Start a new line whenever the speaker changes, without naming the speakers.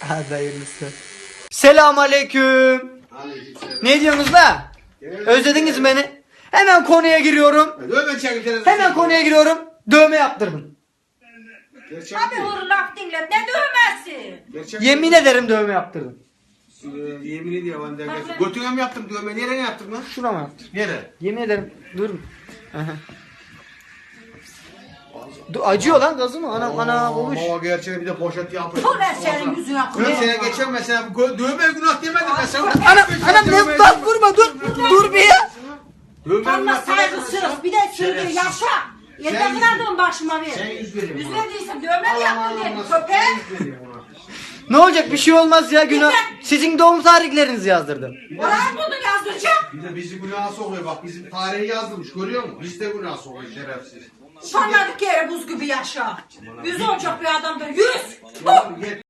Hadi hayırlısı. Selam aleyküm. Ne diyorsunuz la? Özlediniz mi beni? Hemen konuya giriyorum. Hemen konuya giriyorum. Dövme yaptırdım.
Hadi vur laf dinle. Ne dövmesi?
Yemin ederim dövme yaptırdım.
Yemin ediyorum ben de. Götüne mi yaptın dövme? Nereye yaptın lan?
Şuna mı yaptım?
Nereye?
Yemin ederim. Durun. Acıyor lan gazı mı? Ana olmuş.
Ama gerçeği bir de poşet yapmış.
Bu ne senin yüzüne
Ben
koyuyor?
sene geçen mesela dövme günah demedim ben sana.
Anam ne bak vurma dur. Dur bir ya.
Dövme
Ama
günah demedim ben
saygısız.
sana.
Bir de sürdü yaşa. Yeter kadar başıma ver.
Sen yüz veriyorum
Yüz
ona.
verdiysen dövme mi yaptın diye
Allah
köpek?
Ne olacak bir şey olmaz ya günah. Sizin doğum tarihlerinizi yazdırdım.
Oraya buldun yazdıracak.
Bir de bizi günaha sokuyor bak bizim tarihi yazılmış görüyor musun? Biz de günaha sokuyor şerefsiz.
Utanmadık yere buz gibi yaşa. Yüz olacak bir adamdır. Yüz. Bu.